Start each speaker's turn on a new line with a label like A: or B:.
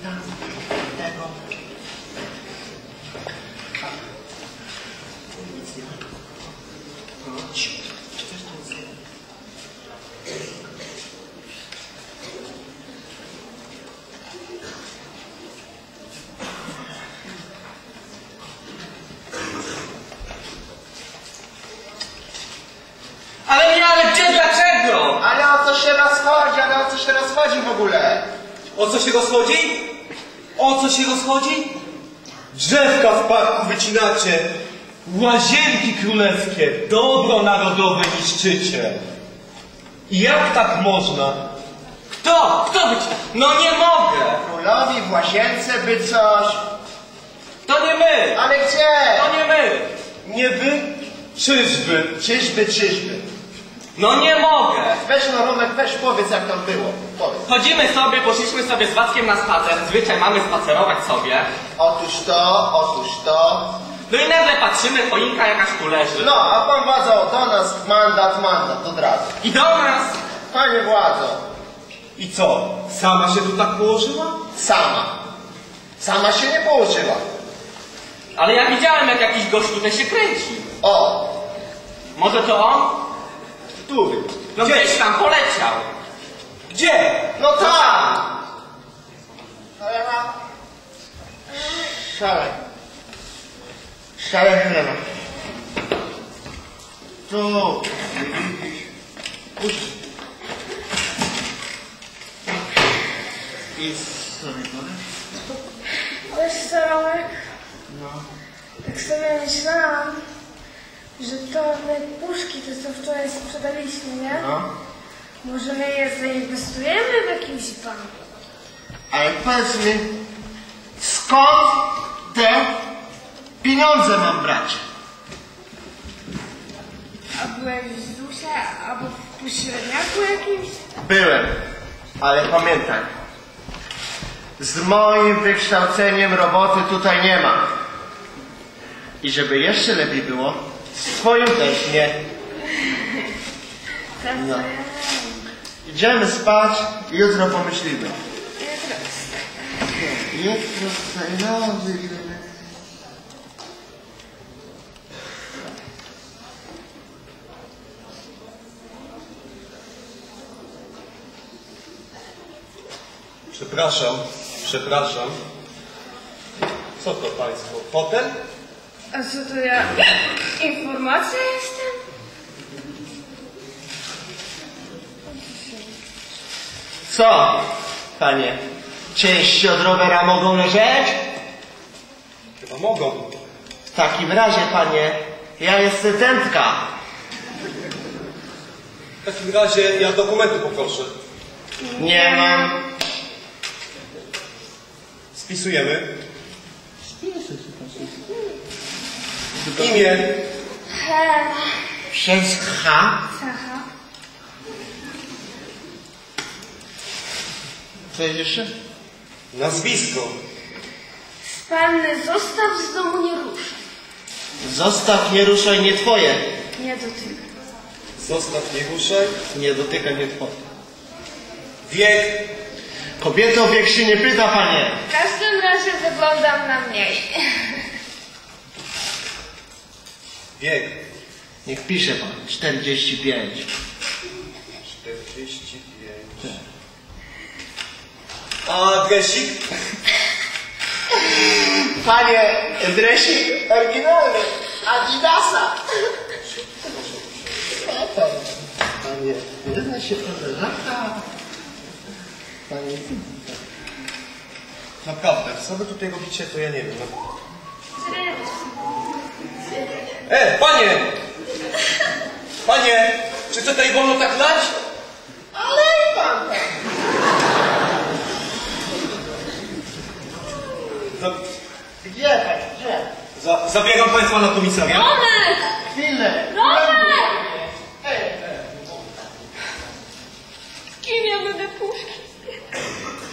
A: tam, tego. Nic nie ma. Chodź. Coś tam jest.
B: Ale gdzie, dlaczego?
A: Ale o co się rozchodzi w ogóle?
B: O co się rozchodzi? O co się rozchodzi? Drzewka w parku wycinacie. Łazienki królewskie, dobro narodowe niszczycie. I jak tak można? Kto? Kto wycina? No nie mogę.
A: Królowi w łazience by coś.
B: To nie my.
A: Ale gdzie?
B: To nie my. Nie wy? Czyżby?
A: Czyżby.
B: No nie mogę.
A: Weź no Romek, weź powiedz jak tam było. Powiedz.
B: Poszliśmy sobie z Wackiem na spacer. Zwyczaj mamy spacerować sobie.
A: Otóż to.
B: No i nagle patrzymy, choinka jakaś tu leży.
A: No, a pan władzo do nas mandat od razu.
B: I do nas.
A: Panie władzo.
B: I co? Sama się tu tak położyła?
A: Sama się nie położyła.
B: Ale ja widziałem, jak jakiś gość tutaj się kręci.
A: O.
B: Może to on?
A: Który?
B: No gdzieś tam poleciał. Gdzie?
A: No tam. Ale ma... Szale chleba. Tu. I sobie
C: Wiesz co, Romek?
A: No.
C: Tak sobie myślałam, że to my puszki, to co wczoraj sprzedaliśmy, nie?
A: No.
C: Może my je zainwestujemy w jakimś banku?
A: Ale powiedz mi, skąd te pieniądze mam brać?
C: A byłeś w ZUS-ie albo w pośredniaku jakimś?
A: Byłem, ale pamiętaj, z moim wykształceniem roboty tutaj nie ma. I żeby jeszcze lepiej było, z twoim też nie. No. Idziemy spać i jutro pomyślimy. Jutro nowy.
B: Przepraszam. Co to państwo? Hotel?
C: A co to ja? Informacja jestem?
A: Co, panie? Części od rowera mogą leżeć?
B: Chyba mogą.
A: W takim razie, panie, ja jestem dętka.
B: W takim razie ja dokumenty poproszę.
A: Nie mam.
B: Spisujemy. Imię.
C: Helena.
A: Przez H.
C: Sacha.
A: Co jest jeszcze?
B: Nazwisko.
C: Panny, zostaw z domu, nie ruszaj.
A: Zostaw, nie ruszaj, nie twoje.
C: Nie dotykaj.
B: Zostaw, nie ruszaj.
A: Nie dotyka, nie twoje.
B: Wiek.
A: Kobieto, wiek się nie pyta, panie.
C: W każdym razie wyglądam na mniej.
B: Wiek.
A: Niech pisze pan. 45.
B: 45. A adresik?
A: Panie, dresik oryginalny. Adidasa. Panie, nie zna się pan lata. Panie,
B: Naprawdę, co wy tutaj robicie, to ja nie wiem. Panie! Panie! Czy to tutaj wolno tak lać?
A: ale i pan tak. Gdzie pan, gdzie?
B: Zabieram państwa na komisariat.
C: Romek!
A: Chwilę.
C: Romek!
A: Ej.
C: Kim ja będę puszki?